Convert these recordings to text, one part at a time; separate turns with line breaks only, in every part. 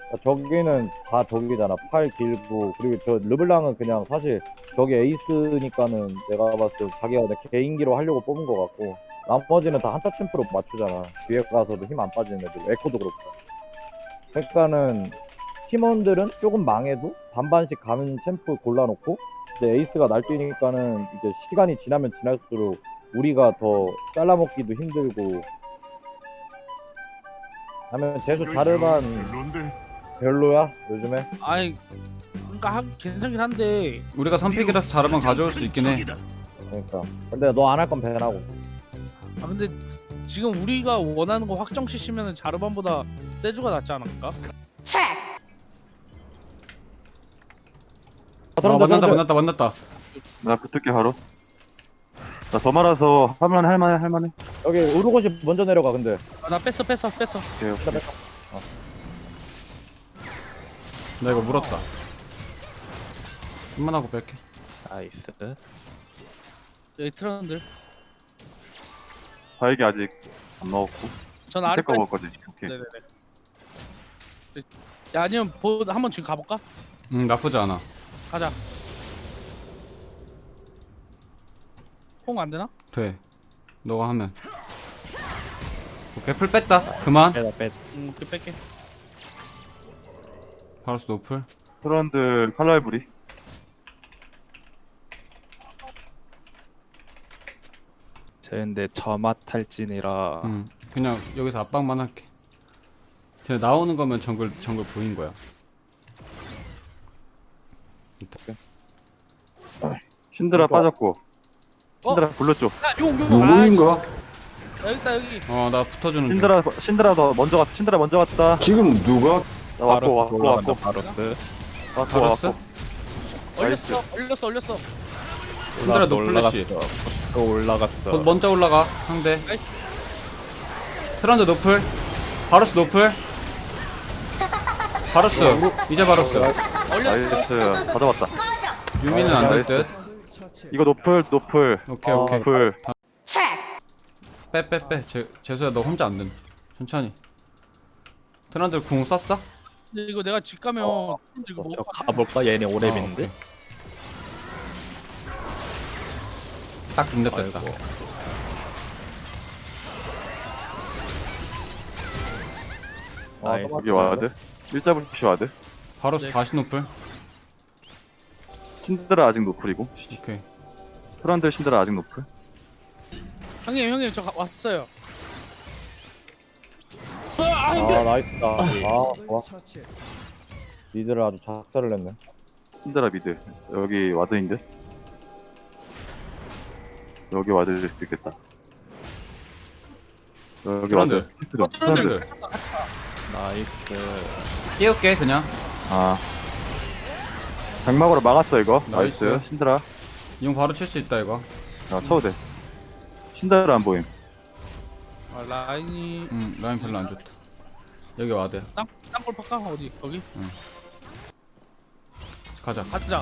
저기는 다 저기잖아. 팔 길고 그리고 저 르블랑은 그냥 사실 저기 에이스니까는 내가 봤을 때 자기가 그냥 개인기로 하려고 뽑은 것 같고 나머지는 다 한타 챔프로 맞추잖아. 뒤에 가서도 힘 안 빠지는 애들. 에코도 그렇고. 그러니까는 팀원들은 조금 망해도 반반씩 가는 챔프 골라놓고 이제 에이스가 날뛰니까는 이제 시간이 지나면 지날수록 우리가 더 잘라먹기도 힘들고 하면 재수 자르반 별로야 요즘에.
아니 그러니까 괜찮긴 한데
우리가 선픽이라서 자르만 가져올 수 있긴 해.
그러니까 근데 너 안 할 건 배나고.
아 근데 지금 우리가 원하는 거 확정 CC면은 자르반보다 세주가 낫지 않을까?
만났다.
나 붙을게 바로. 나 더 말아서 할만해.
여기 우르고시 먼저 내려가. 근데
아, 나 뺐어.
오케이, 오케이.
나 이거 물었다. 한번 하고 뺄게.
나이스.
여기 트런들
바이기 아직 안 먹었고.
전
밑에 거
아래까지.
먹을 거지. 오케이.
네네네. 야 아니면 한번 지금 가볼까?
나쁘지 않아.
가자. 홍 안 되나?
돼. 너가 하면. 오케이 풀 뺐다. 그만.
빼자.
그 뺄게.
바로스 노플.
트런드 칼날부리.
쟤 근데 저맛 탈진이라
그냥 여기서 압박만 할게. 쟤 나오는 거면 정글 보인 거야.
신드라
그러니까.
빠졌고. 신드라 불렀죠.
야용
누구인가?
여기 있다 여기.
나 붙어주는 중.
신드라 더 먼저 갔다. 신드라 먼저 갔다.
지금 누가
나 왔고.
바로스.
바로스?
올렸어.
신드라 노플 래시.
또 올라갔어.
먼저 올라가 상대. 트런드 노플. 바로스 노플. 바로스. 이제 바로스.
나이스. 다 잡았다.
유미는 안 될 듯.
이거 노플.
오케이 오케이.
노플.
빼. 재수야 너 혼자 안 됨. 천천히. 트런드 궁 썼어?
근데 이거 내가 집 가면 이거
저
뭐
가볼까? 얘네 오랩인데.
딱 중립됐다.
아이고. 나이스.
여기 와드. 일자부시 와드.
바로스
네.
다시 노플.
신드라 아직 노플이고.
오케이.
트런드 신드라 아직 노플.
형님 저 왔어요.
아 나이스다. 아 좋아. 니들은 아주 작살을 냈네.
신드라 미드. 여기 와드인데. 여기 와드일 수도 있겠다. 여기
트런드.
와드. 트런드.
트런드.
나이스.
띄울게 그냥.
아. 장막으로 막았어 이거.
나이스.
나이스. 신드라.
이용 바로 칠 수 있다 이거.
쳐도 돼. 신드라 안 보임.
아, 라인이
라인 별로 안 좋다. 여기 와드.
땅볼 팔까? 어디 거기?
가자.
가자.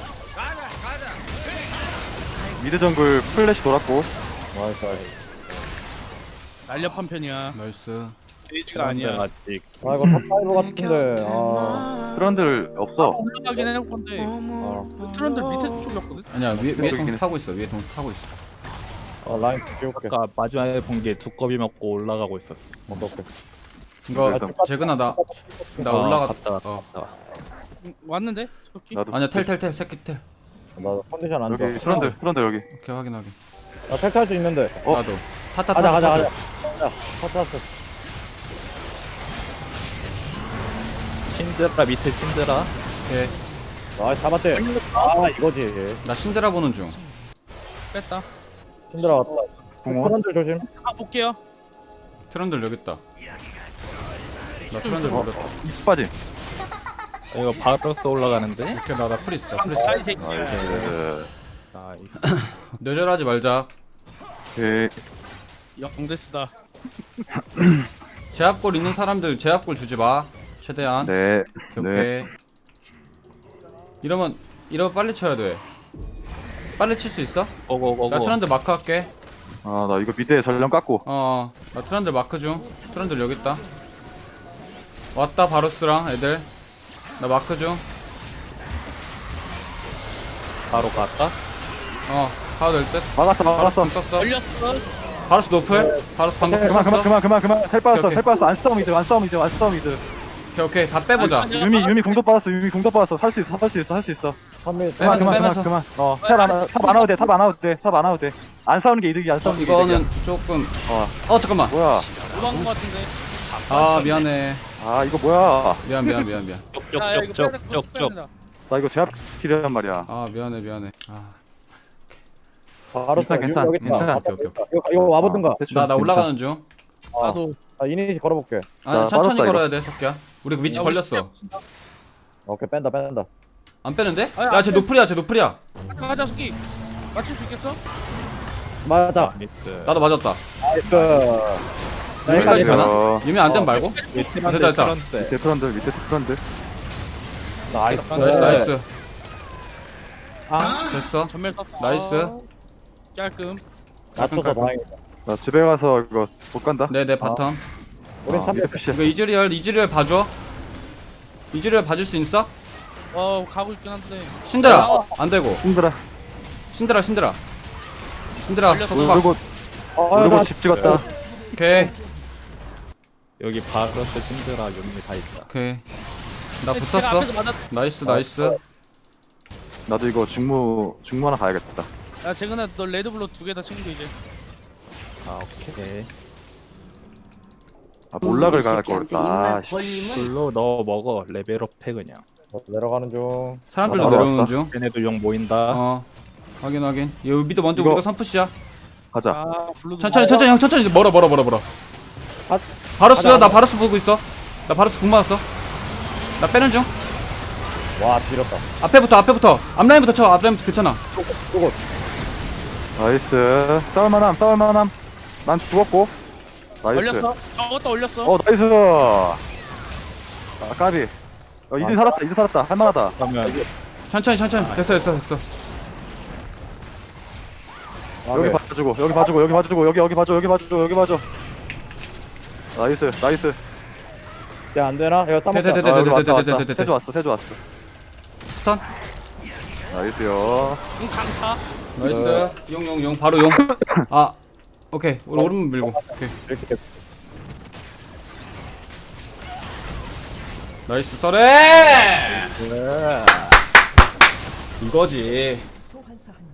미드 정글 플래시 돌았고.
나이스.
날렵한 편이야.
나이스.
데이지가 아니야.
아직.
아 이거 탑5 같은데. 아.
트런들 없어.
올라가긴 해놓을 건데 트런들 밑에 쪽이었거든?
아니야 위에
있긴
동
해.
타고 있어. 위에 동 타고 있어.
라인 지울게.
아까 마지막에 본 게 두꺼비 먹고 올라가고 있었어.
어떡해.
이거
그래서-
재근아 나 올라갔다.
갔다.
왔는데? 저기?
나도.
아니야 텔 새끼 텔.
나 컨디션 안 좋아.
여기 트런들 여기.
오케이 확인.
나 탈퇴할 수 있는데.
나도. 타타.
가자. 탔어.
신드라 밑에 신드라.
오케이.
아 잡았대. 아 이거지.
나 신드라 보는 중.
뺐다.
힘들어 왔다.
공원.
트런들 조심.
볼게요.
트런들 여기 있다. 나 트런들 몰랐다.
입 빠짐.
이거 바로스 올라가는데.
오케이 나풀 있어.
사이 새끼야.
나이스.
나이스.
뇌절하지 말자.
오케이.
영데스다.
제압골 있는 사람들 제압골 주지 마. 최대한.
네.
오케이. 이러면 빨리 쳐야 돼. 빨리 칠 수 있어?
고고고고.
나 트런들 마크 할게.
아 나 이거 미드에 전령 깎고.
나 트런들 마크 중. 트런들 여기 있다. 왔다 바루스랑 애들. 나 마크 중.
바로 갈까?
가도 될 듯.
막았어 막았어.
썼어.
걸렸어.
바루스 노플. 바루스 방금
그만
썼어.
그만 텔 빠졌어
오케이,
텔 빠졌어. 안 싸움 이제 안 싸움 이제 안 싸움 이제.
오케이 다 빼보자.
아니,
유미 공도 빠졌어. 살 수 있어.
3일
빼면서.
그만. 탑안 와도 돼. 안 싸우는 게 이득이야. 안 싸우는 게 이득이야.
이거는 조금.
어
잠깐만.
뭐야?
도망간 거 같은데.
아 미안해.
아 이거 뭐야?
미안.
야, 이거 빼야 돼,
쪽쪽쪽쪽쪽.
된다.
나 이거 제압 필요한 말이야.
아 미안해.
바로
괜찮아.
여기 있다.
괜찮아. 오케이.
이거 와보든가.
대충
나
괜찮아.
올라가는 중.
나도.
나 이니시 걸어볼게.
아니
나
천천히
빠졌다,
걸어야 돼 석기야. 우리 그 위치
야, 우리
걸렸어.
오케이 뺀다.
안 빼는데?
아니,
야 쟤
안 빼.
노플이야.
가자 스키. 맞출 수 있겠어?
맞아.
미스.
나도 맞았다.
나이스.
여기까지
어,
가나? 유미 안 되면 말고. 됐다.
밑에 트런들.
나이스.
아,
됐어.
전멸 썼어.
나이스.
깔끔.
맞춰서 다행이다.
나 집에 가서 이거 못 간다.
네네 바텀.
우린 3일
밑에 푸시.
이거 이즈리얼 봐줘. 이즈리얼 봐줄 수 있어?
가고 있긴 한데.
신드라 안 되고.
힘들어.
신드라.
걸렸어.
속박.
그리고
나
집 찍었다.
오케이.
여기 바로스 신드라 유미 다 있다.
오케이. 나
제가
붙었어.
앞에서 맞았.
나이스.
나도 이거 중무 하나 가야겠다.
야 재근아 너 레드블루 2개 다 챙겨 이제.
아 오케이.
아 몰락을 갈 걸까. 아, 씨.
불로 넣어 먹어. 레벨업 해 그냥.
내려가는 중.
사람들도
아,
내려오는
왔다.
중.
얘네들 용 모인다.
확인. 여기 미드 먼저
이거-
우리가 선푸시야.
가자.
아 블루도.
천천히 형 천천히 멀어.
아,
바루스
가자.
나 바루스 보고 있어. 나 바루스 궁 맞았어. 나 빼는 중.
와, 지렸다.
앞에부터. 앞라인부터 쳐. 앞라인부터 괜찮아.
나이스. 싸울만함. 난 죽었고. 나이스.
올렸어. 저것도 올렸어.
나이스. 아 까비. 이제 살았다. 할만하다.
그러면
천천히. 됐어.
여기 봐주고. 여기 봐줘. 나이스.
야, 안 되나? 이거
돼.
따먹자.
여기 왔다.
돼.
세주 왔어.
스턴.
나이스요.
강타.
나이스. 용. 바로 용. 오케이. 우리 오른문 밀고. 오케이.
이렇게
나이스 썰에. 이거지.
소환사한